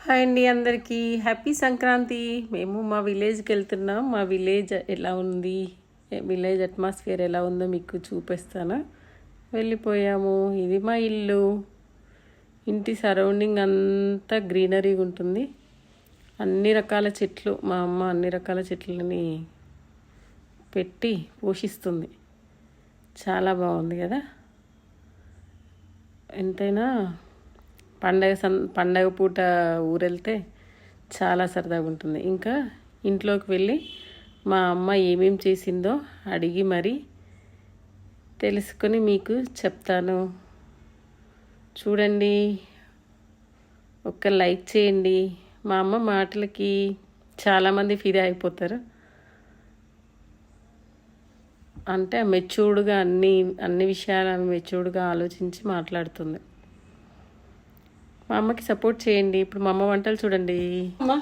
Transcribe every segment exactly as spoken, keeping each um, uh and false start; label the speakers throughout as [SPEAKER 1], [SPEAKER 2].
[SPEAKER 1] Hi అండి, అందరికీ happy Sankranti. మేము మా విలేజ్కి వెళ్తున్నాం. మా విలేజ్ ఎలా ఉంది, విలేజ్ అట్మాస్ఫియర్ ఎలా ఉందో మీకు చూపిస్తాను. వెళ్ళిపోయాము. ఇది మా ఇల్లు. ఇంటి సరౌండింగ్ అంతా గ్రీనరీగా ఉంటుంది. అన్ని రకాల చెట్లు, మా అమ్మ అన్ని రకాల చెట్లని పెట్టి పోషిస్తుంది. చాలా బాగుంది కదా. ఎంతైనా పండగ సన్ పండగ పూట ఊరెళ్తే చాలా సరదాగా ఉంటుంది. ఇంకా ఇంట్లోకి వెళ్ళి మా అమ్మ ఏమేమి చేసిందో అడిగి మరి తెలుసుకొని మీకు చెప్తాను. చూడండి, ఒక్క లైక్ చేయండి. మా అమ్మ మాటలకి చాలామంది ఫిదా అయిపోతారు. అంటే మెచ్యూర్డ్గా అన్ని అన్ని విషయాలను మెచ్యూర్డ్గా ఆలోచించి మాట్లాడుతుంది. మా అమ్మకి సపోర్ట్ చేయండి. ఇప్పుడు మా అమ్మ వంటలు చూడండి.
[SPEAKER 2] అమ్మా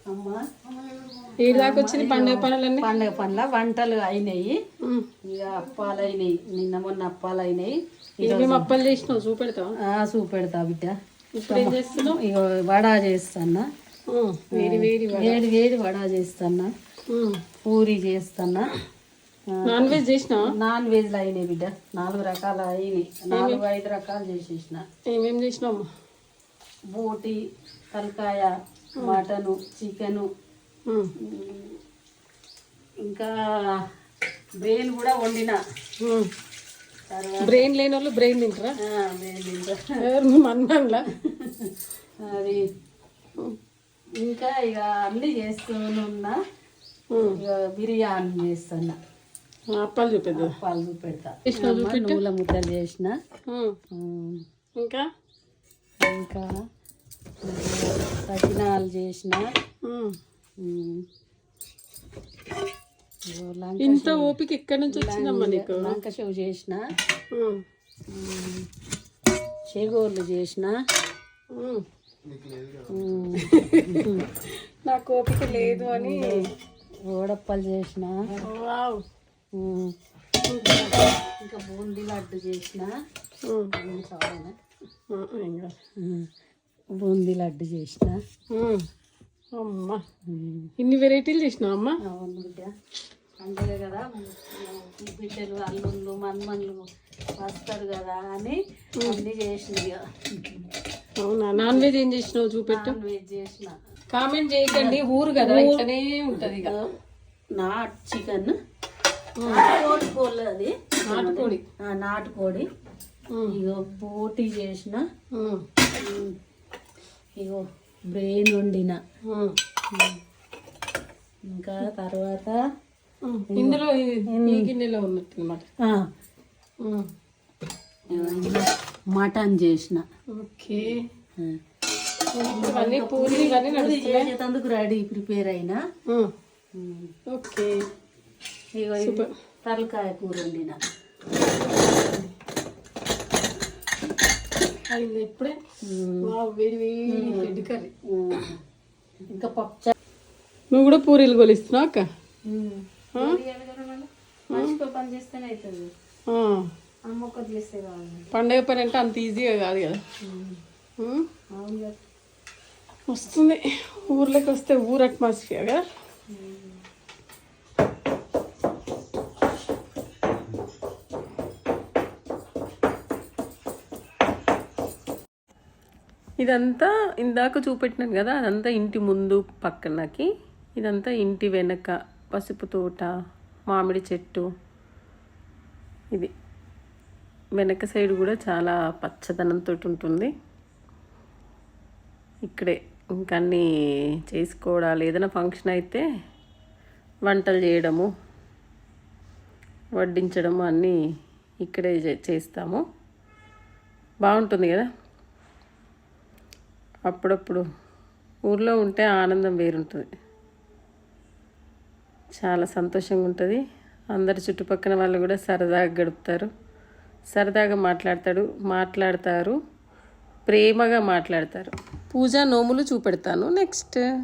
[SPEAKER 2] దాకా వచ్చిన పండుగ పనులన్నీ
[SPEAKER 3] పండుగ పనుల వంటలు అయినాయి. ఇక అప్పాలు అయినాయి. నిన్న మొన్న అప్పాలు అయినాయి.
[SPEAKER 2] మేము అప్పాలు చేసినావు చూపెడతావు?
[SPEAKER 3] చూపెడతా బిడ్డ.
[SPEAKER 2] ఇప్పుడు ఏం చేస్తున్నావు?
[SPEAKER 3] ఇక వడా చేస్తానా,
[SPEAKER 2] వేడి వేడి
[SPEAKER 3] వేడి వేడి వడా చేస్తానా, పూరి చేస్తానా.
[SPEAKER 2] నాన్ వెజ్ చేసినావా?
[SPEAKER 3] నాన్ వెజ్లు అయినాయి బిడ్డ. నాలుగు రకాలు అయినాయి. నాలుగు ఐదు రకాలు చేసేసిన.
[SPEAKER 2] ఏమేమి చేసినావు?
[SPEAKER 3] బోటి, తలకాయ, మటను, చికెను, ఇంకా బ్రెయిన్ కూడా వండిన.
[SPEAKER 2] బ్రెయిన్ లేని వాళ్ళు బ్రెయిన్ తింటారా?
[SPEAKER 3] బ్రెయిన్ తింటా.
[SPEAKER 2] మన్నంలా
[SPEAKER 3] అది ఇంకా ఇక అన్నీ చేస్తున్నా. ఇక బిర్యానీ చేస్తున్నా.
[SPEAKER 2] అప్పాలు చూపెద్దా?
[SPEAKER 3] అప్పాలు చూపెడతా.
[SPEAKER 2] చూపెట్టు.
[SPEAKER 3] నూల ముద్దలు చేసిన.
[SPEAKER 2] ఇంకా
[SPEAKER 3] ఇంకా సకినాలు చేసిన.
[SPEAKER 2] ఇంత ఓపిక ఎక్కడి నుంచి వచ్చిందమ్మా నీకు?
[SPEAKER 3] లంక షవ్ చేసిన, చేగోర్లు చేసిన.
[SPEAKER 2] నాకు ఓపిక లేదు అని
[SPEAKER 3] ఓడప్పలు చేసిన. ఇంకా బూందీ లడ్డు చేసిన. బూందీ లడ్డు చేసిన.
[SPEAKER 2] అమ్మా ఇన్ని వెరైటీలు చేసినావు అమ్మా?
[SPEAKER 3] అవును బిడ్డ, పండుగ కదా. బిడ్డలు అల్లుళ్ళు మన్మన్లు వస్తారు కదా అని అన్ని చేసిన.
[SPEAKER 2] అవునా? నాన్ వెజ్ ఏం చేసినావు చూపెట్టు.
[SPEAKER 3] నాన్ వెజ్ చేసిన.
[SPEAKER 2] కామెంట్ చేయకండి, ఊరు కదా ఇట్లనే ఉంటది.
[SPEAKER 3] నాటు చికెన్, నాటుకోడి కోళ్ళు, అది
[SPEAKER 2] నాటుకోడి
[SPEAKER 3] నాటుకోడి. ఇగో బోటి చేసిన. ఇగో బ్రెయిన్ వండిన. ఇంకా తర్వాత
[SPEAKER 2] ఇందులో ఈ గిన్నెలో ఉన్నట్టు అనమాట.
[SPEAKER 3] మటన్ చేసిన.
[SPEAKER 2] ఓకే, ఇవన్నీ పూరి ఇవన్నీ
[SPEAKER 3] చేసేందుకు రెడీ ప్రిపేర్ అయినా.
[SPEAKER 2] ఓకే,
[SPEAKER 3] ఇగో తలకాయ కూర వండిన.
[SPEAKER 2] అయింది ఇప్పుడే. వేడి వేడి కర్రీ.
[SPEAKER 3] ఇంకా పప్పు.
[SPEAKER 2] నువ్వు కూడా పూరీలు కొలిస్తున్నావు అక్క?
[SPEAKER 3] పని చేస్తేనే అవుతుంది. అమ్మ ఒక్కటి చేస్తే కావాలి.
[SPEAKER 2] పండగ పని అంటే అంత ఈజీగా కాదు కదా.
[SPEAKER 3] అవును కదా,
[SPEAKER 2] వస్తుంది. ఊర్లోకి వస్తే ఊరు అట్మాస్ఫియర్ కదా.
[SPEAKER 1] ఇదంతా ఇందాక చూపెట్టినాను కదా, అదంతా ఇంటి ముందు పక్కనకి. ఇదంతా ఇంటి వెనక పసుపు తోట, మామిడి చెట్టు. ఇది వెనక సైడ్ కూడా చాలా పచ్చదనంతో ఉంటుంది. ఇక్కడే ఇంకా అన్నీ చేసుకోవడాలు, ఏదైనా ఫంక్షన్ అయితే వంటలు చేయడము, వడ్డించడము అన్నీ ఇక్కడే చేస్తాము. బాగుంటుంది కదా. అప్పుడప్పుడు ఊర్లో ఉంటే ఆనందం వేరుంటుంది. చాలా సంతోషంగా ఉంటుంది. అందరు చుట్టుపక్కల వాళ్ళు కూడా సరదాగా గడుపుతారు, సరదాగా మాట్లాడతాడు మాట్లాడతారు ప్రేమగా మాట్లాడతారు. పూజ నోములు చూపెడతాను నెక్స్ట్.